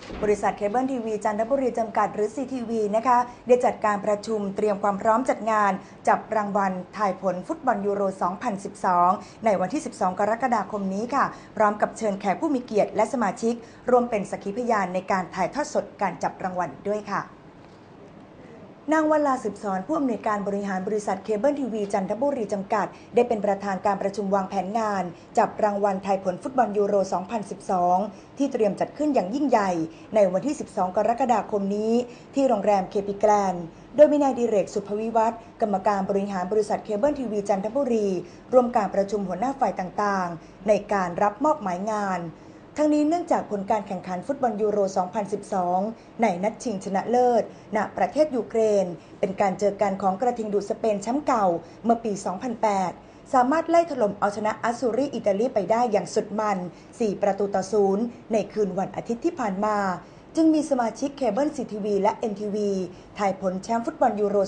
บริษัทเคเบิลทีวีจันทบุรีจำกัดหรือ CTV นะคะได้จัดการประชุมเตรียมความพร้อมจัดงานจับรางวัลทายผลฟุตบอลยูโร 2012 ในวันที่ 12 กรกฎาคมนี้ค่ะพร้อมกับเชิญแขกผู้มีเกียรติและสมาชิกร่วมเป็นสักขีพยานในการถ่ายทอดสดการจับรางวัลด้วยค่ะนางวลาสืบสอนผู้อำนวยการบริหารบริษัทเคเบิลทีวีจันทบุรีจำกัดได้เป็นประธานการประชุมวางแผนงานจับรางวัลทายผลฟุตบอลยูโร 2012 ที่เตรียมจัดขึ้นอย่างยิ่งใหญ่ในวันที่ 12 กรกฎาคมนี้ที่โรงแรมเคปิแกรนด์โดยมีนายดิเรกสุภวิวัฒน์กรรมการบริหารบริษัทเคเบิลทีวีจันทบุรีร่วมการประชุมหัวหน้าฝ่ายต่างๆในการรับมอบหมายงานทั้งนี้เนื่องจากผลการแข่งขันฟุตบอลยูโร 2012 ในนัดชิงชนะเลิศณประเทศยูเครนเป็นการเจอกันของกระทิงดูดสเปนแชมป์เก่าเมื่อปี 2008 สามารถไล่ถล่มเอาชนะอัสซูรีอิตาลีไปได้อย่างสุดมัน 4-0 ในคืนวันอาทิตย์ที่ผ่านมาจึงมีสมาชิกเคเบิล CTV และ NTV ทายผลแชมป์ฟุตบอลยูโร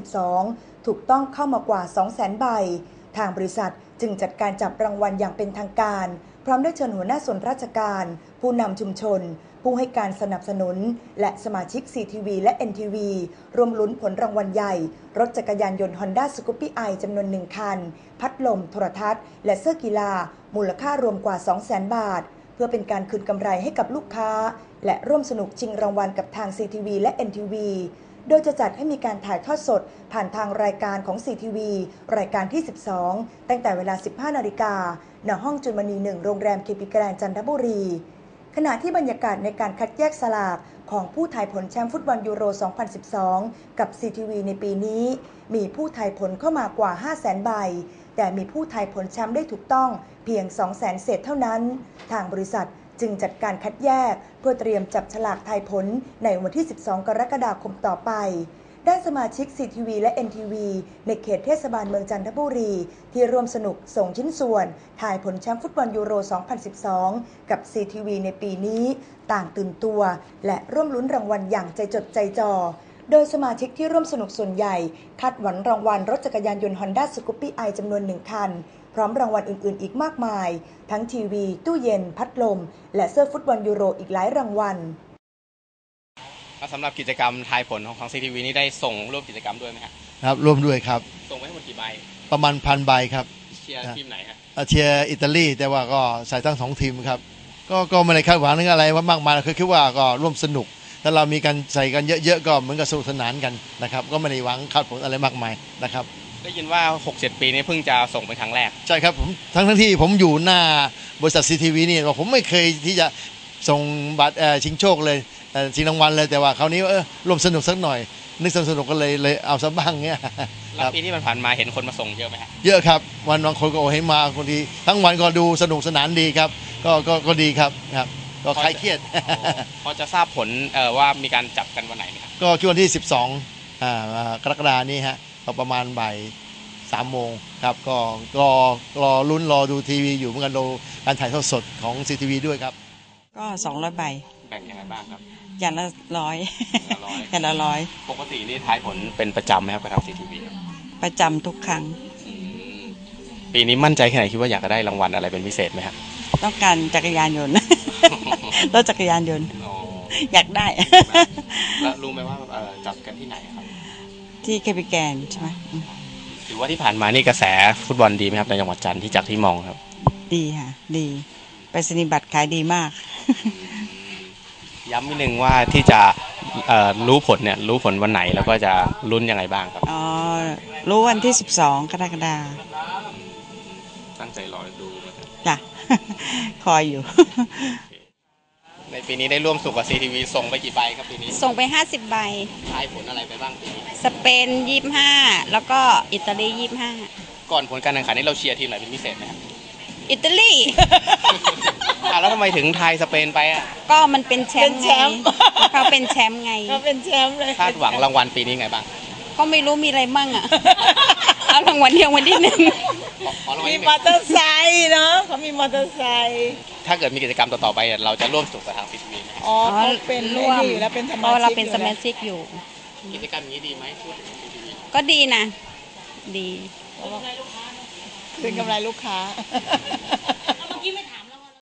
2012 ถูกต้องเข้ามากว่า 200,000 ใบทางบริษัทจึงจัดการจับรางวัลอย่างเป็นทางการพร้อมได้เชิญหัวหน้าส่วนราชการผู้นำชุมชนผู้ให้การสนับสนุนและสมาชิก CTV และ NTV รวมลุ้นผลรางวัลใหญ่รถจักรยานยนต์ Honda Scoopy i จำนวน1คันพัดลมโทรทัศน์และเสื้อกีฬามูลค่ารวมกว่า 200,000 บาทเพื่อเป็นการคืนกำไรให้กับลูกค้าและร่วมสนุกชิงรางวัลกับทาง CTV และ NTV โดยจะจัดให้มีการถ่ายทอดสดผ่านทางรายการของ CTV รายการที่ 12 ตั้งแต่เวลา 15 นาฬิกาณห้องจุลมณี 1 โรงแรมเคปิแกรนด์จันทบุรีขณะที่บรรยากาศในการคัดแยกสลากของผู้ทายผลแชมป์ฟุตบอลยูโร 2012 กับ CTV ในปีนี้มีผู้ทายผลเข้ามากว่า 500,000 ใบแต่มีผู้ทายผลแชมป์ได้ถูกต้องเพียง 200,000 เศษเท่านั้นทางบริษัทจึงจัดการคัดแยกเพื่อเตรียมจับฉลากทายผลในวันที่ 12 กรกฎาคมต่อไปด้านสมาชิก CTV และ NTV ในเขตเทศบาลเมืองจันทบุรีที่ร่วมสนุกส่งชิ้นส่วนทายผลแชมป์ฟุตบอลยูโร 2012 กับ CTV ในปีนี้ต่างตื่นตัวและร่วมลุ้นรางวัลอย่างใจจดใจจ่อโดยสมาชิกที่ร่วมสนุกส่วนใหญ่คาดหวังรางวัลรถจักรยานยนต์ Honda Scoopy i จำนวน1คันพร้อมรางวัลอื่นๆอีกมากมายทั้งทีวีตู้เย็นพัดลมและเสื้อฟุตบอลยูโรอีกหลายรางวัลสำหรับกิจกรรมทายผลของ CTV นี่ได้ส่งร่วมกิจกรรมด้วยไหมครับร่วมด้วยครับส่งไปให้หมดกี่ใบประมาณ1,000 ใบครับเชียร์ทีมไหนฮะเชียร์อิตาลีแต่ว่าก็ใส่ทั้ง2 ทีมครับก็ไม่ได้คาดหวังนึกอะไรว่ามากมายคือคิดว่าก็ร่วมสนุกถ้าเรามีกันใส่กันเยอะๆก็เหมือนกับสนุกสนานกันนะครับก็ไม่ได้หวังคาดผลอะไรมากมายนะครับได้ยินว่า 6-7 ปีนี้เพิ่งจะส่งเป็นครั้งแรกใช่ครับผมทั้งที่ผมอยู่หน้าบริษัท CTV นี่ผมไม่เคยที่จะส่งบัตรชิงโชคเลยชิงรางวัลเลยแต่ว่าคราวนี้ร่วมสนุกสักหน่อยนึกสนุกก็เลยเอาซะบ้างเงี้ยแล้วปีที่ผ่านมาเห็นคนมาส่งเยอะไหมครับเยอะครับวันบางคนก็ให้มาคนทีทั้งวันก็ดูสนุกสนานดีครับก็ดีครับก็คลายเครียดพอจะทราบผลว่ามีการจับกันวันไหนไหมครับก็วันที่ 12 กรกฎาคมนี้ฮะประมาณบ่าย 3 โมงครับก็รอลุ้นรอดูทีวีอยู่เหมือนกันดูการถ่ายทอดสดของ CTV ด้วยครับก็200 ใบแบ่งยังไงบ้างครับอย่างละ100อย่างละ100 ปกตินี่ทายผลเป็นประจำไหมครับกับทาง CTV ประจำทุกครั้งปีนี้มั่นใจแค่ไหนคิดว่าอยากจะได้รางวัลอะไรเป็นพิเศษไหมครับต้องการจักรยานยนต์รถจักรยานยนต์อยากได้แล้วรู้ไหมว่าจับกันที่ไหนครับที่เคปิแกนใช่ไหมถือว่าที่ผ่านมานี่กระแสฟุตบอลดีไหมครับในจังหวัดจันทร์ที่จากที่มองครับดีค่ะดีไปรษณียบัตรขายดีมากย้ำนิดนึงว่าที่จะรู้ผลเนี่ยรู้ผลวันไหนแล้วก็จะลุ้นยังไงบ้างครับรู้วันที่ 12 กรกฎาคมตั้งใจรอดูจ้ะคอยอยู่ในปีนี้ได้ร่วมสุขกับ CTV ส่งไปกี่ใบครับปีนี้ส่งไป50 ใบทายผลอะไรไปบ้างปีนี้สเปน25แล้วก็อิตาลี25 ก่อนผลการแข่งขันนี้เราเชียร์ทีมไหนเป็นพิเศษไหมครับอิตาลีแล้วทำไมถึงไทยสเปนไปก็มันเป็นแชมป์ไงเขาเป็นแชมป์ไงเขาเป็นแชมป์เลยคาดหวังรางวัลปีนี้ไงบ้างก็ไม่รู้มีอะไรมั่งเอารางวัลเดียววันที่1 มีมอเตอร์ไซค์เนาะเขามีมอเตอร์ไซค์ถ้าเกิดมีกิจกรรมต่อไปเราจะร่วมสุขกับทาง CTV ไหมอ๋อเขาเป็นร่วมอยู่แล้วเป็นสมาชิกเราเป็นสมาชิกอยู่กิจกรรมนี้ดีไหมพูดถึง CTV ก็ดีนะดีเป็นกำไรลูกค้า